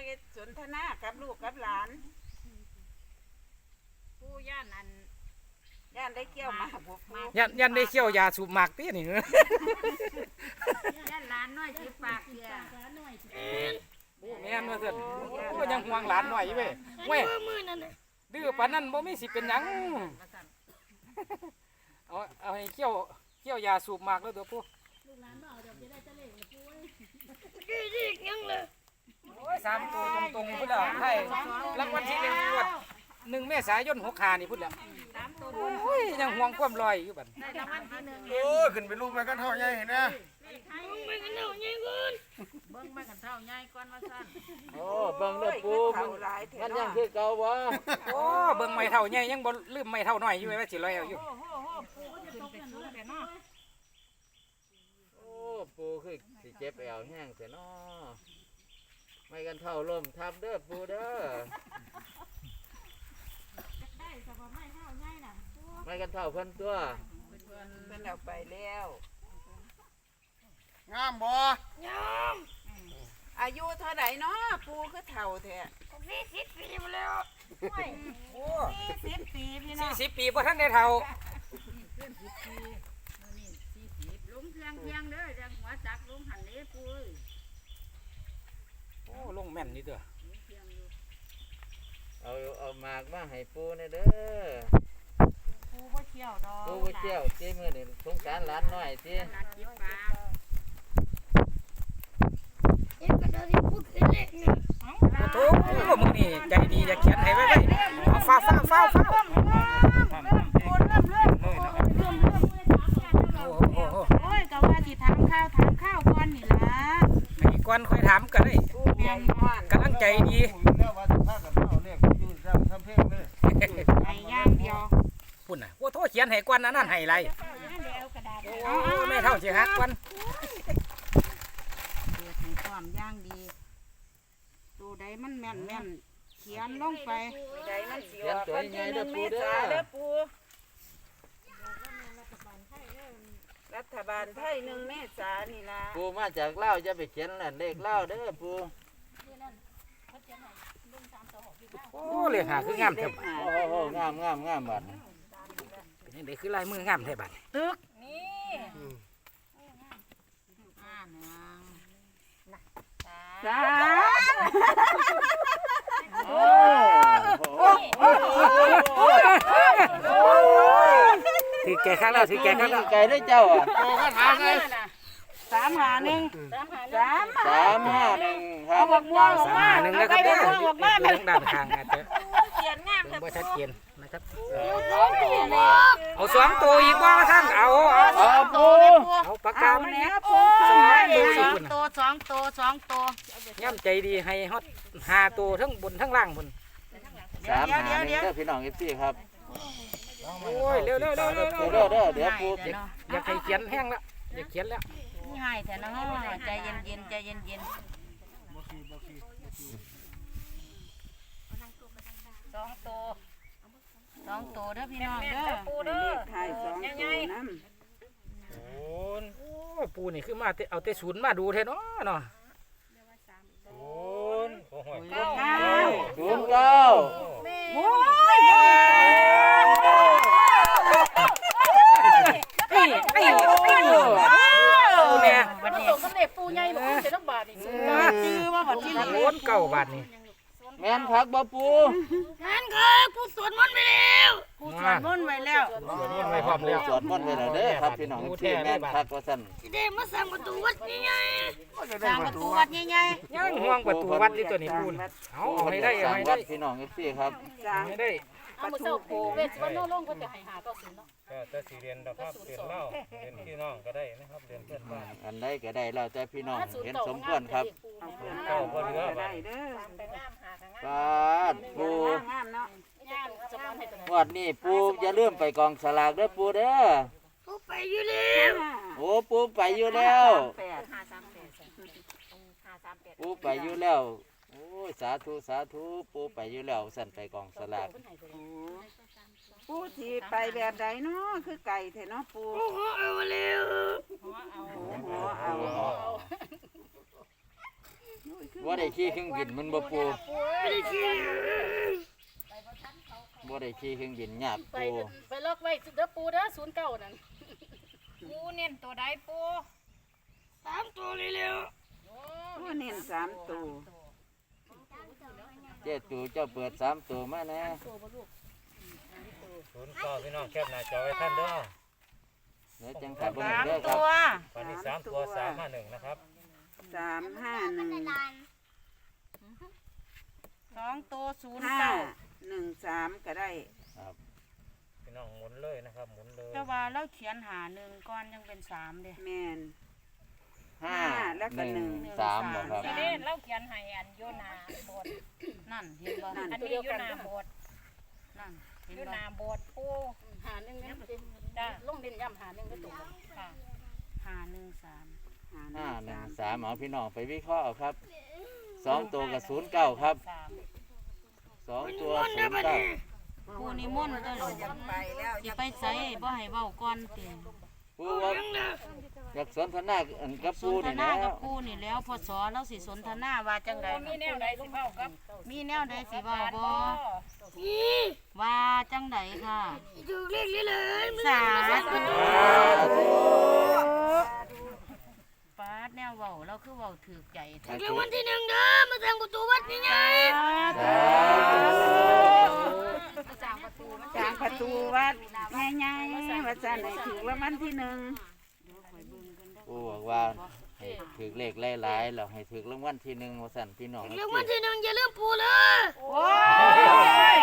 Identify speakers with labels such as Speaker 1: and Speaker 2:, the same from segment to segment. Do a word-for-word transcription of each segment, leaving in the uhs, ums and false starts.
Speaker 1: สนทนากับลูกกับหลาน
Speaker 2: ปูย่านอัน
Speaker 1: ย่านได้เกี่ยวมาบวกมา
Speaker 3: ยันยันได้เขี้ยวยาสูบหมากตีนี่เนอะ
Speaker 2: ย่านหลานน้อยสิปากเสีย
Speaker 3: แม่นว่าซั่นโอ้ยังห่วงหลานหน่อยเว้ยเว้ยดื้อปานนั้นบ่มีสิเป็นหยังเอาเอาให้เขี้ยวเขี้ยวยาสูบหมากแล้วเด้อปู่ลูกหลานบ่เอาเดี๋ยวจะได้จะเล่นกับปู่เอ้ยดีๆยังเลยโอ้ยสามตัวตรงๆพุ่นแล้วให้รางวัลที่หนึ่งงวดหนึ่งเมษายนหกห้านี่พุ่นแล้ว
Speaker 2: สามตัว
Speaker 3: โอ้ยยังห่วงความลอยอยู่บัด
Speaker 2: ได้รางวัลที่หนึ่ง
Speaker 4: โอ้ขึ้นไปลูกไปกันเท่าใหญ่เห็นนะ
Speaker 2: เบิ่งไม่กันเท่าใหญ่ก่อนเบิ่งไม่กันเท่าใหญ่ก่อนว่าซั่น
Speaker 5: โอ้เบิ่งเด้อปูมันยังคือเก่าบ่
Speaker 3: โอ้เบิ่งไม่เท่าใหญ่ยังบ่ลืมไม่เท่าน้อยอยู่ว่าสิลอยเอาอยู่
Speaker 2: โอ้โหปูก็จะตกกันแต่เนาะ
Speaker 5: โอ้ปูคือสิเจ็บแอวแห้งเสียเนาะไม่กันเท่าลมทับเด้อปูเด้อ
Speaker 2: ได้สบายไม่เท่าใหญ่น่ะ
Speaker 5: ไม่กันเท่าเพิ่นตัว
Speaker 1: เพิ่นเอาไปแล้ว
Speaker 4: งามบ่
Speaker 1: งามอายุเท่าไหร่เนาะปูคือเฒ่าแท้
Speaker 2: สี่สิบปีมาแล้วโอ้สี่สิบปีพี่น้อง
Speaker 3: สี่สิบปีบ่ทันได้เฒ่า
Speaker 2: ขึ้นสิบปีนี่สี่สิบลุงเพียงเพียงเด้อจังหัวจักลุงหันนี้ปู
Speaker 3: โอ้ลงแม่นนี่เด้อ
Speaker 5: เอาเอาหมากมาให้ปูนี่เด้อ
Speaker 2: ปูบ่เที่ยวดอก
Speaker 5: ปูบ่เที่ยวสิมื้อนี้สงสารหลานน้อยสิ
Speaker 2: หลานจิบปลา
Speaker 3: โอ้โหมึงนี่ใจดีจะเขียนให้ไว้ไว้เอาฟ้าฟ้าฟ้าฟ้า
Speaker 2: โอ้ยก็ว่าสิถามข้าวถามข้าวก่อนนี่ล่ะ
Speaker 3: ไอ้ก่อนค่อยถามก็ได้กำลังใจดี
Speaker 4: แล้วว่าถ้ากับเอาเลขอยู่ซ้ำซ้ำเพลงเลย
Speaker 2: ให้ย่างเดียว
Speaker 3: พุ่นน่ะโอ้โทษเขียนให้ก่อนนั้นนั่นให้ไรโอ้ไม่เท่าสิฮักก่อน
Speaker 2: เปิดให้ความย่างดีตัวใดมันแม่นแม่นเขียนลงไป
Speaker 1: ใดมันสิออกวันที่หนึ่งเมษาเด้อปูรัฐบาลไทยหนึ่งเมษานี่ล่ะ
Speaker 5: ปูมาจากลาวจะไปเขียนนั่นเลขลาวเด้อปู
Speaker 3: โอ้เลขหาคืองามแท้บัด
Speaker 5: โอ้โหงามงามงามบัด
Speaker 3: เป็นจังได๋คือลายมืองามแท้บัด
Speaker 2: ตึกนี่อ่าหนึ่ง
Speaker 1: สาม
Speaker 5: โอ้
Speaker 3: ถือแก่ข้างแล้วถือแก่ข้างแล้ว
Speaker 5: ไก่ได้เจ้าอ่ะ
Speaker 4: โอ้ก็ถามไง
Speaker 1: สามหาหนึ่งสาม
Speaker 5: สามห้าหนึ่งครับ
Speaker 1: บอกม่วงบอกว่า
Speaker 3: หนึ่งนะครับเด้อด้านข้างอาจจะ
Speaker 1: เขียนงาม
Speaker 3: เบิ่งบ่ชัดเจนนะครับ
Speaker 1: สองตัวเลย
Speaker 3: เอาสองตัวอีกบ่ท่านเอาเอา
Speaker 5: เอาปู
Speaker 3: เอาปากกามันเนี่ย
Speaker 1: ปู
Speaker 3: สอง
Speaker 2: สองตัวสองตัวสองตัว
Speaker 3: ย่ำใจดีให้ฮอดห้าตัวทั้งบนทั้งล่างบน
Speaker 5: สามห้าหนึ่งเด้อพี่น้องเอฟซีครับ
Speaker 3: โอ้ยเร็วเร็วเร็วเร็ว
Speaker 5: เด้อเด้อเดี๋ยวปู
Speaker 3: อยากให้เขียนแห้งแล้วอยากเขียนแล้ว
Speaker 2: ง่ายแต่นะใจเย็นเย็นใจเย็นเย็นสองตัวสองตัวเด้อพี่น้องเด้อ
Speaker 1: ปูเด้อถ่ายสองตัวน้ำ
Speaker 3: โอ้โอ้ปูนี่คือมาเอาแต่ศูนย์มาดูเท่เนาะเนาะศูนย์เก้า
Speaker 5: ศูนย์เก้า
Speaker 1: โอ้ย
Speaker 3: ไอ้ไอ้ไอ้ปูเนี่ย
Speaker 2: วันนี้ก็เล็กปูใหญ่บอกจะต้องบาทอีกซื้อว่าวันที่หนึ่ง
Speaker 3: โอนเก้าบาทนี่
Speaker 5: แม่นคักบ่ปู
Speaker 2: งานครับผู้สวดมนต์ไปแล้วผู้สวดมนต์ไปแล้ว
Speaker 3: สวดมนต์ไปพร้อมแล้ว
Speaker 5: สวดมนต์ไปแล้วเด้อครับพี่น้องที่แม่นคักว่าซั่น
Speaker 2: สิได้มาสร้างประตูวัดใหญ่ๆสร้างประตูวัดใหญ่
Speaker 3: ๆยังห่วงประตูวัดนี่ตัวนี้ปูนเอาเอาให้ได้เอาให้ได้
Speaker 5: พี่น้องเอฟซีครับ
Speaker 3: ให้ได้
Speaker 2: เอามือเสาโคเวทวันโน้ลงก็จะให้หาก็ศูนย์เนาะ
Speaker 6: ก็จะสี่เรียนดอกครับเรียนเล่าเรียนพี่น้องก็ได้นะครับเรียนเพื่อนบ้าน
Speaker 5: อันใดก็ได้แล้วแต่พี่น้องเห็นสมควรครับ
Speaker 6: เก้าบ่เหลือบ้าน
Speaker 5: ปาดปู
Speaker 1: งามเนาะ
Speaker 5: วัดนี้ปูอย่าลืมไปกองสลากเด้อปูเด้อ
Speaker 2: ปูไปอยู่แล้ว
Speaker 5: โอ้ปูไปอยู่แล้วปูไปอยู่แล้วโอ้ยสาธุสาธุปูไปอยู่แล้วสั่นไปกองสลาก
Speaker 1: ปูที่ไปแบบใดเนาะคือไก่แท้เนาะปู
Speaker 2: เอาเร็ว
Speaker 1: หัวเอา
Speaker 5: บ่ได้ขี่เครื่องบินมันบ่ปูบ่ได้ขี่เครื่องบินยาก
Speaker 7: ไป
Speaker 5: ปู
Speaker 7: ไปล็อกไว้เด้อปูเด้อศูนย์เก้านั่น
Speaker 2: ปูเน้นตัวใดปู
Speaker 7: สามตัวเร็ว
Speaker 1: ผู้เน้นสามตัว
Speaker 5: เจ้าตู่เจ้าเปิดสามตัวมาแน่
Speaker 6: ศูนย์เก้าพี่น้องแคบหน้าจอไว้ท่านเด้อ
Speaker 5: เดี๋ยวจังขับเบิ่ง
Speaker 2: สาม
Speaker 5: เด้อครั
Speaker 2: ตั
Speaker 5: บ
Speaker 2: ว
Speaker 6: วันนี้สามตัวสามห้าหนึ่งนะครับ
Speaker 1: สามห้าหนึ่ง
Speaker 2: สองตัวศูนย์
Speaker 1: ห้า
Speaker 2: เก้า
Speaker 1: หนึ่งสามก็ได้
Speaker 6: พี่น้องหมุนเลยนะครับหมุนเลย
Speaker 2: แต่ว่าเราเขียนหาหนึ่งก้อนยังเป็นสามเด้
Speaker 1: แมน
Speaker 5: ห้า
Speaker 1: แล้วก็
Speaker 5: ห
Speaker 1: หนึ่
Speaker 5: นึ่ง
Speaker 1: ง
Speaker 5: สามบ่ครับ
Speaker 2: ทีนี้เราเขียนให้อันโยนาโบสนั่นเห็นบ่อันนี้โยนาโบสนั่นเห็น
Speaker 7: อยู่
Speaker 2: บ่
Speaker 7: หน้าโบสถ์ปูหาหนึ่งเนี่ยจ้าลงดินย่ำหาหนึ่งก็ตก
Speaker 2: ค่ะหาหนึ่งสาม
Speaker 5: ห้าหนึ่งสามเอาพี่น้องไปวิเคราะห์เอาครับสองตัวกับศูนย์เก้าครับ
Speaker 2: สาม
Speaker 5: สองตัวศูนย์เก้า
Speaker 2: ผู้นิมนต์ตัวหลวงสิไปใส่บ่ให้เว้าก่อนติ
Speaker 5: ปูว่าอยากสนทนาอันกับ
Speaker 2: ส
Speaker 5: ปู
Speaker 2: นท
Speaker 5: นี่
Speaker 2: นา
Speaker 5: นะ
Speaker 2: กับปูนี่แล้วพอสอเราสิสนทนาว่าจังได
Speaker 7: มีแนวใดสิเฝ้ากับ
Speaker 2: มีแนวใดสิเว้าบ่ว่าจังไดค่ะ
Speaker 7: ถูกเรียกเลย
Speaker 2: สาธุปาดแนวเว้าเราคือเว้าถือใจแท้
Speaker 7: รางวัลที่หนึ่งเด้อมาทางประตูวัดนี่ไง
Speaker 2: สร้างประตูมัน
Speaker 1: จางประตูวัดง่ายๆวัดจันไหนถือรางวัลที่หนึ่ง
Speaker 5: ปูบอกว่าให้ถือเลขหลายๆแล้วให้ถือรางวัลที่หนึ่งว่าสั่นพี่น้อง
Speaker 7: รางวัลที่หนึ่งอย่าลืมปูเลย
Speaker 2: โอ้ย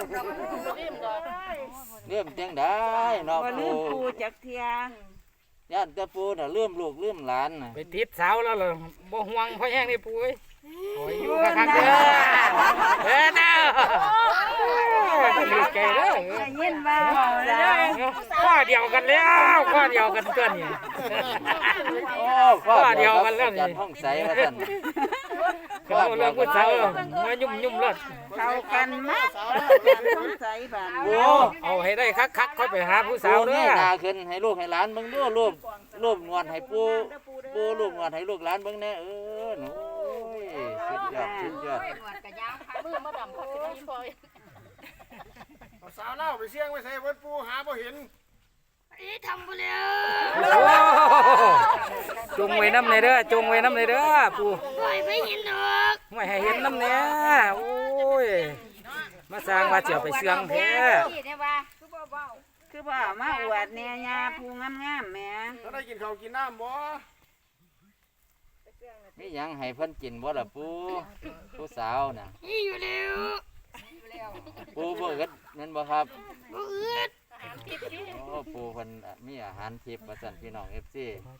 Speaker 5: เริ่มจังได้เนาะ
Speaker 1: บ่ลื
Speaker 5: ปู
Speaker 1: มปูจักเทีย
Speaker 5: ย่านแต่ปูน่ะเริ่มลูกเริ่มหลานน่ะ
Speaker 3: ไปติดสาวแล้วเหรอบ่ห่วงพ่อแห้งนี่ปูเอ้ยโอ้ยอยู่คักๆเด้อเด้อเด้อดีใจเด้อ
Speaker 1: ได้ยินบ่จ้า
Speaker 3: ข้อเดียวกันแล้วข้อเดียวกันตัวนี้
Speaker 5: โอ้ข้อเดียวกันแล้วนี่จันห้องใสว่าสั่น
Speaker 3: เขาเรื่องผู้สาวมายุ่มยุ่มๆเลย
Speaker 1: เข้ากันมากกันสงสัยบ้าน
Speaker 5: โอ้
Speaker 3: เอาให้ได้คักๆค่อยไปหาผู้สา
Speaker 5: ปู
Speaker 3: วเด้
Speaker 5: นี่
Speaker 3: อ
Speaker 5: นาขึ้นให้ลูกให้หลานเบิ่งดูรูปรูปนวลให้ปูปูรูปนวลให้ลูกหลานเบิ่งแน่เออหนูโอ้ยสุดยอดสุดยอด
Speaker 7: มือมาดำพักที่นี่พอ
Speaker 4: เอาสาวเล่าไปเสี่ยงไปใส่เบิดปูหาบ่เห็น
Speaker 7: นี่ทำไปแล้ว
Speaker 3: โอ้จงไว้น้ำในเด้อจงไว้น้ำในเด้อปู
Speaker 7: ปล่อยไม่เห็นดอก
Speaker 3: ไม่ให้เห็นน้ำเนี้ยโอ้ยมาสร้างมาเจียวไปเสื่องแท้
Speaker 1: คือบ่เอามาอวดแน่ยาผู้งามๆแหม่
Speaker 4: ถ้าได้กินข้าวกินน้ำบ่
Speaker 5: นี่ยังให้เพิ่นกินบ่ล่ะปูผู้สาวน่ะ
Speaker 7: นี่อยู่เร็ว
Speaker 5: ปูบ่อึดนั่นบ่ครับ
Speaker 7: บ่อืด
Speaker 5: โอ้ปูเพิ่นมีอาหารทิพย์ว่าซั่นพี่น้อง เอฟ ซี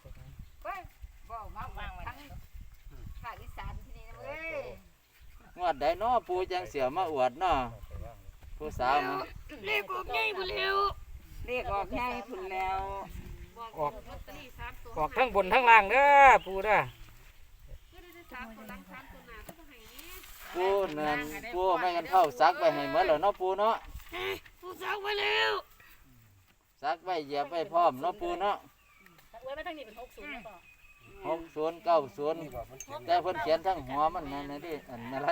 Speaker 5: งวดใดน้อปูจังเสียวมาอวดน้อผู้สาวมั้ง
Speaker 7: เลขออกง่ายไปเร็ว
Speaker 1: เรียกออกง่ายพุ่นแล้ว
Speaker 3: ออกออกทั้งบนทั้งล่างเด้อปูเด้อ
Speaker 5: ปูเนินปูไม่กันเข้าซักไปให้เหมือนแล้วเนาะปูเนาะ
Speaker 7: ผู้สาวไปเร็ว
Speaker 5: ซักไว้เหยียบไว้พร้อมเนาะปูเนาะ
Speaker 7: ไว้ไม่ทั้งนี้เป็นหกศูนย์หรือเปล่า
Speaker 5: หกศูนย์เก้าศูนย์แต่เพิ่นเขียนทั้งหัวมันนั่นนะดิอันอะไร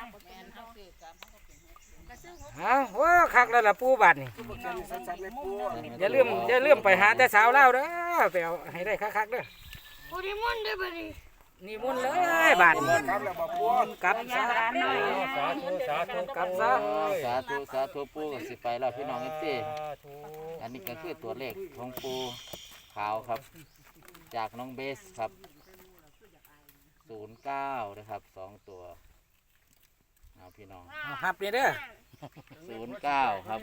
Speaker 3: ฮะว้าคักแล้วล่ะปูบาดนี่อย่าลืมอย่าลืมไปหาแต่สาวเล่าวเด้อไปเอาให้ได้คักๆเด้อ
Speaker 7: โอ้ดิมอนได้บ่ดิ
Speaker 3: นี่มุ่นเลยบาดนี่
Speaker 4: ครับแล้วบ่ปู
Speaker 3: กลับ
Speaker 1: ยา
Speaker 3: ซะ
Speaker 1: ร้านน้อย
Speaker 6: สาธุสาธุ
Speaker 3: กลับซะ
Speaker 5: สาธุสาธุปูก็สิไปแล้วพี่น้องเอฟซี
Speaker 6: สาธุ
Speaker 5: อันนี้ก็คือตัวเลขของปูขาวครับ จากน้องเบสครับศูนย์เก้านะครับสองตัวเอาพี่น้อง
Speaker 3: เอาหับนี่เด้อ
Speaker 5: ศูนย์เก้าครับ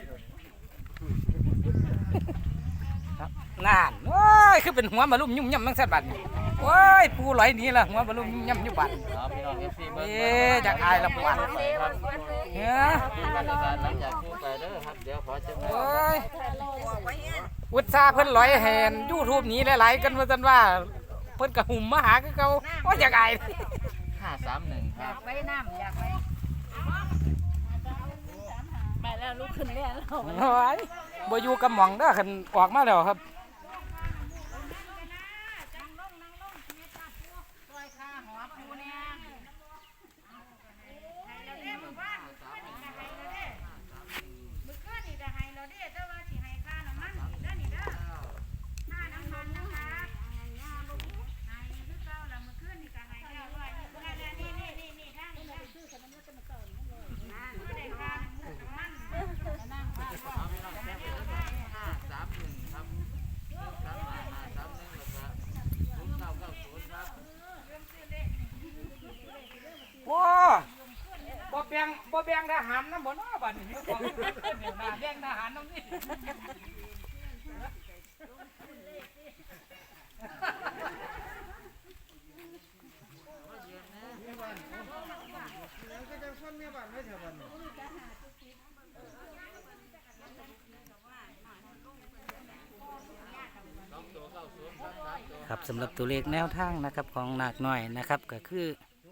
Speaker 3: นานโอ้ยคือเป็นหัวมาลุ่มยุ่มย่ำมังสัตว์บัดนี่โอ้ยปูไหลหนี้ละหัวมาลุ่มยุ่มย่ำอยู่บัด
Speaker 5: เอาพี่น้องเอฟซีเบิ้ง
Speaker 3: เอ๊ะจากอายละปวด
Speaker 5: ครับ
Speaker 3: เฮ้ย
Speaker 5: ที่บรรยากาศหลังจากปูไปเด้อครับเดี๋ยวขอจังหวะ
Speaker 3: โอ้ยอุตส่าห์เพิ่นลอยแหนยูทูบนี้หลายๆกันว่าซั่นว่าเพิ่นกระหุ่มมาหาคือเก่าโอ้ยจากอาย
Speaker 5: ห้าสามหนึ่งครับ
Speaker 2: ไว้น้ำอยากไว้
Speaker 7: ไปแล้วลุกขึ้นแล้ว
Speaker 3: โอ้ยบ่อยู่กับหม่องเด้อคันออกมาแล้วครับ
Speaker 2: ซอยข้าหัวปูเนี่ย
Speaker 3: งบ่แบ่งทหารน้ำบ่เนาะบัดนี้ของเดี๋ยวหน้าแบ่งทหารน้ำนี่
Speaker 8: ครับสำหรับตัวเลขแนวทางนะครับของหนักหน่อยนะครับก็คือ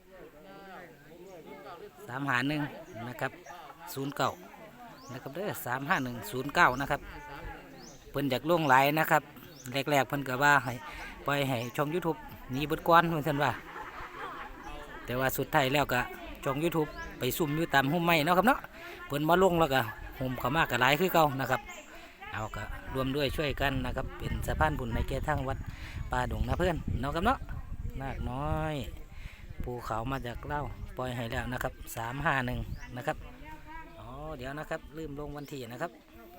Speaker 8: สามหาหนึ่งนะครับศูนย์เก้านะครับเด้อสามห้าหนึ่งศูนย์เก้านะครับเพิ่นจากล่วงไหลนะครับแรกๆเพิ่นก็ว่าให้ปล่อยให้ช่อง YouTube หนีเบดก้อนเหมือนกันว่าแต่ว่าสุดท้ายแล้วก็ช่อง YouTube ไปซุ่มอยู่ตามหุ้มไม้เนาะครับเนาะเพิ่นมาลงแล้วก็หุ้มเข้ามาก็หลายคือเก่านะครับเอาก็รวมด้วยช่วยกันนะครับเป็นสะพานบุญในแก่ทางวัดป่าดงนะเพื่อนเนาะครับเนาะนาคน้อยภูเขามาจากเล่าปล่อยให้แล้วนะครับสามห้าหนึ่งนะครับอ๋อเดี๋ยวนะครับลืมลงวันที่นะครับ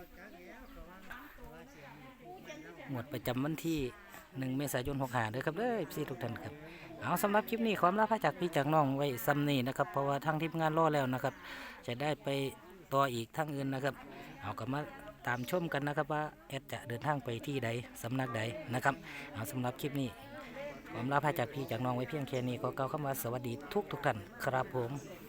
Speaker 8: หมวดประจำวันที่หนึ่งเมษายนหกห้าด้วยครับเด้อพี่ทุกท่านครับเอาสำหรับคลิปนี้ความรับพระจากพี่จากน้องไว้ซ้ำนี่นะครับเพราะว่าทางทีมงานรอแล้วนะครับจะได้ไปต่ออีกทางอื่นนะครับเอากลับมาตามชมกันนะครับว่าแอดจะเดินทางไปที่ใดสำนักใดนะครับเอาสำหรับคลิปนี้ผมลาพาจากพี่จากน้องไว้เพียงแค่นี้ก็กล่าวคำว่าสวัสดีทุกทุกท่านครับผม